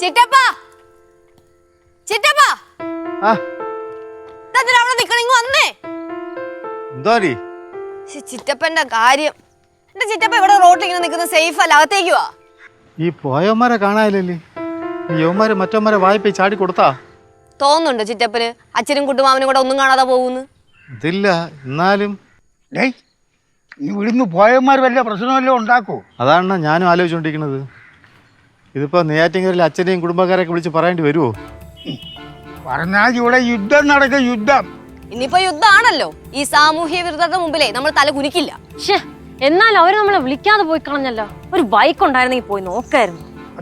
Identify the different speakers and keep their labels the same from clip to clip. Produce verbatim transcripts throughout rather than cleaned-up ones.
Speaker 1: ചിറ്റപ്പാ ചിറ്റപ്പാ
Speaker 2: ആ
Speaker 1: അവിടെ നിക്കണിങ് വന്നേ
Speaker 2: എന്തോടി
Speaker 1: ചിറ്റപ്പന്റെ കാര്യം. എന്റെ ചിറ്റപ്പ ഇവിടെ റോട്ടിൽ ഇങ്ങനെ നിൽക്കുന്ന സേഫ് അല്ല, അകത്തേക്ക് വാ.
Speaker 2: ഈ പോയവന്മാരെ കാണാനില്ലല്ലേ? ഈ യവന്മാര് മറ്റവന്മാരെ വായ്പ ചാടി കൊടുത്താ
Speaker 1: തോന്നുന്നുണ്ട് ചിറ്റപ്പന് അച്ഛനും കുട്ടുമാവനും കൂടെ ഒന്നും കാണാതെ പോകുന്നു.
Speaker 2: ഇതില്ല എന്നാലും
Speaker 3: ഡേയ് ഈ ഇവിടുന്ന് പോയവന്മാർ വല്ല പ്രശ്നമല്ലോ ഉണ്ടാക്കൂ.
Speaker 2: അതാണ് ഞാനും ആലോചിച്ചുകൊണ്ടിരിക്കുന്നത്. ഇതിപ്പോ നെയ്യാറ്റിൻകരയിൽ അച്ഛനെയും കുടുംബക്കാരെയൊക്കെ വിളിച്ച് പറയേണ്ടി വരുമോ?
Speaker 3: പറഞ്ഞാൽ ഇവിടെ യുദ്ധം നടക്കും, യുദ്ധം.
Speaker 1: ഇനിയിപ്പോ യുദ്ധമാണല്ലോ. ഈ സാമൂഹ്യ വിരുദ്ധരുടെ മുമ്പിലേ നമ്മൾ തല കുനിക്കില്ല.
Speaker 4: എന്നാലും അവര് നമ്മളെ വിളിക്കാതെ പോയി കളഞ്ഞല്ലോ. ഒരു ബൈക്ക് ഉണ്ടായിരുന്നെങ്കിൽ പോയി നോക്കായിരുന്നു.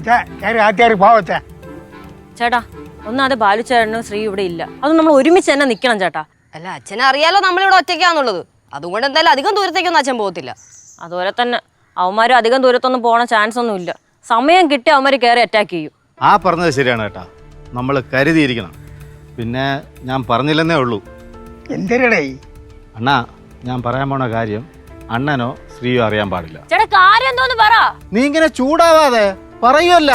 Speaker 4: ചേട്ടാ ഒന്നാതെ ബാലുചേട്ടനും ശ്രീ ഇവിടെ ഇല്ല. അത് നമ്മൾ ഒരുമിച്ച് തന്നെ നിക്കണം ചേട്ടാ.
Speaker 1: അല്ല അച്ഛനെ അറിയാലോ നമ്മളിവിടെ ഒറ്റയ്ക്കാന്നുള്ളത്. അതുകൊണ്ട് എന്തായാലും അധികം ദൂരത്തേക്കൊന്നും അച്ഛൻ പോകത്തില്ല.
Speaker 4: അതുപോലെ തന്നെ അവന്മാരും അധികം ദൂരത്തൊന്നും പോണ ചാൻസ് ഒന്നും ഇല്ല. സമയം കിട്ടി അവന്മാര് കയറി അറ്റാക്ക് ചെയ്യും.
Speaker 2: ആ പറഞ്ഞത് ശരിയാണ് കേട്ടാ, നമ്മൾ കരുതിയിരിക്കണം. പിന്നെ ഞാൻ പറഞ്ഞില്ലെന്നേ ഉള്ളൂ.
Speaker 3: എന്തരടേ
Speaker 2: അണ്ണാ, ഞാൻ പറയാൻ പോണ കാര്യം അണ്ണനോ ശ്രീയോ അറിയാൻ പാടില്ല.
Speaker 4: ചേട്ടാ കാര്യം എന്തോന്ന് പറ.
Speaker 2: നീ ഇങ്ങനെ ചൂടാവാതെ പറയുമല്ല.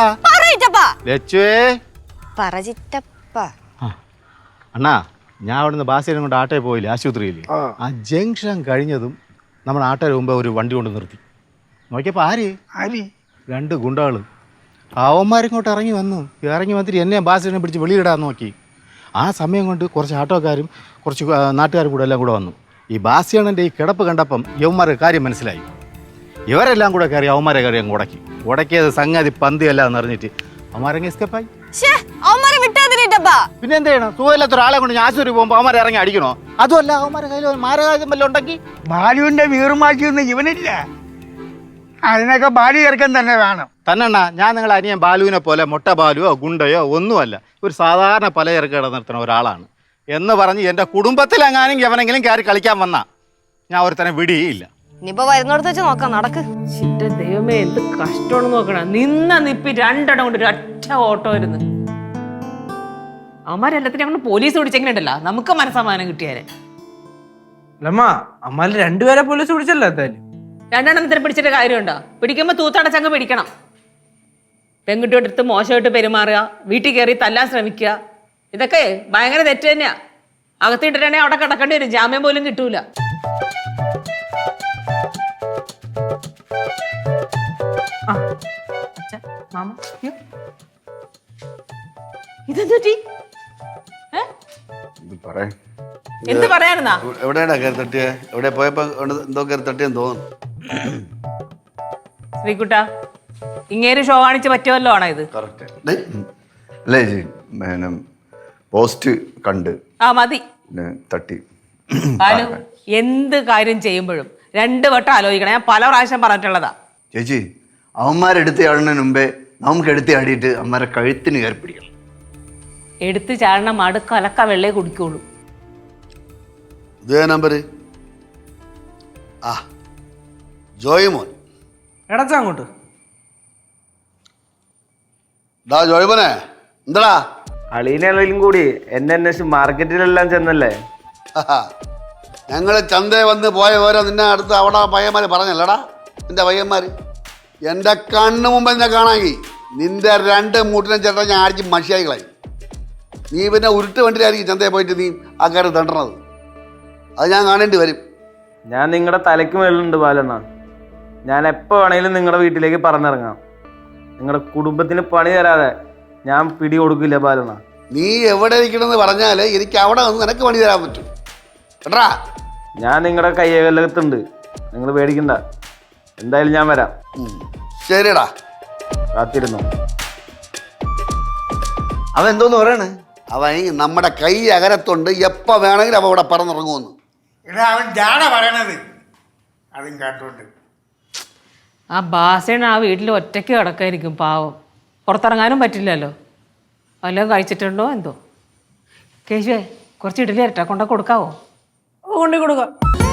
Speaker 2: അണ്ണാ, ഞാൻ അവിടുന്ന് ബാസിനെ കൊണ്ട് ആട്ടോയിൽ പോയില്ലേ, ആശുപത്രിയിൽ. ആ ജംഗ്ഷൻ കഴിഞ്ഞതും നമ്മൾ ആട്ടോയിൽ മുമ്പ് ഒരു വണ്ടി കൊണ്ട് നിർത്തി. നോക്കിയപ്പോൾ ആര്
Speaker 3: ആര്
Speaker 2: രണ്ട് ഗുണ്ടകൾ. അവന്മാരിങ്ങോട്ട് ഇറങ്ങി വന്നു. ഇറങ്ങി വന്നിട്ട് എന്നെ ബാസിനെ പിടിച്ച് വെളിയിടാൻ നോക്കി. ആ സമയം കൊണ്ട് കുറച്ച് ആട്ടോക്കാരും കുറച്ച് നാട്ടുകാരും കൂടെ എല്ലാം കൂടെ വന്നു. ഈ ബാസിയണ്ണൻ്റെ ഈ കിടപ്പ് കണ്ടപ്പം യവന്മാരുടെ കാര്യം മനസ്സിലായി. ഇവരെല്ലാം കൂടെ കയറി അവന്മാരെ കയറി അങ്ങ് ഉടക്കി. ഉടക്കിയത് സംഗതി പന്തിയല്ല എന്ന് അറിഞ്ഞിട്ട് അവന്മാരങ്ങ് എസ്കേപ്പായി. പിന്നെ എന്ത് ചെയ്യണം? സുഖമില്ലാത്ത ഒരാളെ കൊണ്ട് ഞാൻ ആശുപത്രി പോകുമ്പോൾ അവന്മാരെ ഇറങ്ങി അടിക്കണോ? അതുമല്ല, അവന്മാരെ കയ്യിൽ മാരകായുധം വല്ലതും ഉണ്ടെങ്കിൽ.
Speaker 3: ബാലുവിന്റെ വീറുമാക്കിയൊന്നും ഇവനില്ല. അതിനൊക്കെ ബാലു ചേർക്കാൻ തന്നെ വേണം.
Speaker 2: തന്നെണ്ണ, ഞാൻ നിങ്ങളെ അനിയൻ ബാലുവിനെ പോലെ മൊട്ട ബാലുവോ ഗുണ്ടയോ ഒന്നുമല്ല. ഒരു സാധാരണ പലചരക്ക് കട നിർത്തുന്ന ഒരാളാണ് എന്ന് പറഞ്ഞ് എൻ്റെ കുടുംബത്തിലെങ്ങാനും എവനെങ്കിലും കയറി കളിക്കാൻ വന്നാ ഞാൻ ഒരുത്തനെ വിടിയില്ല.
Speaker 1: ഇനിയിപ്പോ വരുന്നിടത്ത് വെച്ച് നോക്കാം, നടക്ക്.
Speaker 5: ദൈവമേ, എന്ത് കഷ്ടമാണെന്ന് നോക്കണം. നിന്ന നിപ്പി രണ്ടെണ്ണം കൊണ്ട് ഒരു ഒറ്റ ഓട്ടോ ഇരുന്ന് അവന്മാരെല്ലാത്തിനും കൊണ്ട് പോലീസ് പിടിച്ചെങ്ങനെയുണ്ടല്ലോ, നമുക്ക് മനസ്സമാനം കിട്ടിയാലേ.
Speaker 6: അല്ലമ്മ, അമ്മാല് രണ്ടുപേരെ പോലീസ് പിടിച്ചല്ലോ. എന്തായാലും
Speaker 5: രണ്ടെണ്ണത്തിന് പിടിച്ചിട്ട് കാര്യമുണ്ടോ? പിടിക്കുമ്പോൾ തൂത്തടച്ചങ്ങ് പിടിക്കണം. പെൺകുട്ടിയുടെ അടുത്ത് മോശമായിട്ട് പെരുമാറുക, വീട്ടിൽ കയറി തല്ലാൻ ശ്രമിക്കുക, ഇതൊക്കെ ഭയങ്കര തെറ്റ് തന്നെയാ. അകത്തിട്ടിട്ടാണെങ്കിൽ അവിടെ കിടക്കേണ്ടി വരും, ജാമ്യം പോലും കിട്ടൂല. ഇതെന്തുറ്റി? എന്ത് പറയാനാ?
Speaker 7: എവിടെയാടാ കയറി തട്ടിയ? എവിടെ പോയപ്പോ എന്തോ കയറി തട്ടിയെന്ന് തോന്നുന്നു.
Speaker 5: ശ്രീകുട്ട, ഇങ്ങേര് ഷോ കാണിച്ച് പറ്റുമല്ലോ ആണോ ഇത്?
Speaker 7: അല്ലേ ചേച്ചി, പോസ്റ്റ് കണ്ട്
Speaker 5: ആ മതി
Speaker 7: തട്ടി.
Speaker 5: എന്ത് കാര്യം ചെയ്യുമ്പോഴും രണ്ട് വട്ടം ആലോചിക്കണം. ഞാൻ പല പ്രാവശ്യം പറഞ്ഞിട്ടുള്ളതാ.
Speaker 7: ചേച്ചി, അവന്മാരെടുത്ത് ചാടുന്നതിന് മുമ്പേ നമുക്ക് എടുത്ത് ചാടിയിട്ട് അവന്മാരെ കഴുത്തിന് കയറി പിടിക്കണം.
Speaker 5: എടുത്ത് ചാടണം, മടു കലക്ക വെള്ളേ കുടിക്കുള്ളൂ.
Speaker 7: ഇതേ നമ്പര്. ആ ജോയ് മോൻ
Speaker 6: എടച്ചാ അങ്ങോട്ട്.
Speaker 7: ഡാ ജോയ് മോനെ, എന്താടാ?
Speaker 6: അളീനും കൂടി എന്നെ അന്വേഷിച്ച് മാർക്കറ്റിലെല്ലാം ചെന്നല്ലേ?
Speaker 7: ഞങ്ങള് ചന്തയെ വന്ന് പോയ ഓരോ നിന്നെ അടുത്ത് അവിടെ പയ്യന്മാര് പറഞ്ഞല്ലടാ, നിന്റെ പയ്യന്മാര്. എൻ്റെ കണ്ണ് മുമ്പ് എന്നെ കാണാമെങ്കിൽ നിന്റെ രണ്ട് മൂട്ടിനെ ചേട്ടാ ഞാൻ അടിച്ച് മഷിയായി കളയും. നീ പിന്നെ ഉരുട്ട് വണ്ടിയിലായിരിക്കും ചന്തയെ പോയിട്ട് നീ ആ കാര്യം തണ്ടണത്. അത് ഞാൻ കാണേണ്ടി വരും.
Speaker 6: ഞാൻ നിങ്ങളുടെ തലയ്ക്ക് മേലുണ്ട് ബാലണ്ണ. ഞാൻ എപ്പോൾ വേണമെങ്കിലും നിങ്ങളുടെ വീട്ടിലേക്ക് പറഞ്ഞിറങ്ങാം. നിങ്ങളുടെ കുടുംബത്തിന് പണി തരാതെ ഞാൻ പിടി കൊടുക്കില്ല ബാലണ്ണ.
Speaker 7: നീ എവിടെ ഇരിക്കണമെന്ന് പറഞ്ഞാൽ എനിക്ക് അവിടെ വന്ന് നിനക്ക് പണി തരാൻ പറ്റും കേട്ടാ.
Speaker 6: ഞാൻ നിങ്ങളുടെ കയ്യകലകത്തുണ്ട്, നിങ്ങൾ പേടിക്കണ്ട. എന്തായാലും ഞാൻ വരാം.
Speaker 7: ശരിടാ,
Speaker 6: കാത്തിരുന്നു.
Speaker 7: അവൻ എന്തോന്ന് പറയണേ? അവൻ നമ്മുടെ കൈ അകരത്തുണ്ട്, എപ്പോൾ വേണമെങ്കിലും അവൻ ഇവിടെ പറന്നിറങ്ങുമെന്ന്.
Speaker 3: എടാ അവൻ ജാട പറയണത് അതും കേട്ടോണ്ട്.
Speaker 5: ആ ബാസേണ് ആ വീട്ടിൽ ഒറ്റയ്ക്ക് കിടക്കായിരിക്കും, പാവം. പുറത്തിറങ്ങാനും പറ്റില്ലല്ലോ. വല്ലതും കഴിച്ചിട്ടുണ്ടോ എന്തോ. കേശുവേ, കുറച്ച് ഇഡലി തരട്ടെ, കൊണ്ട കൊടുക്കാവോ?
Speaker 6: കൊണ്ടു കൊടുക്കാം.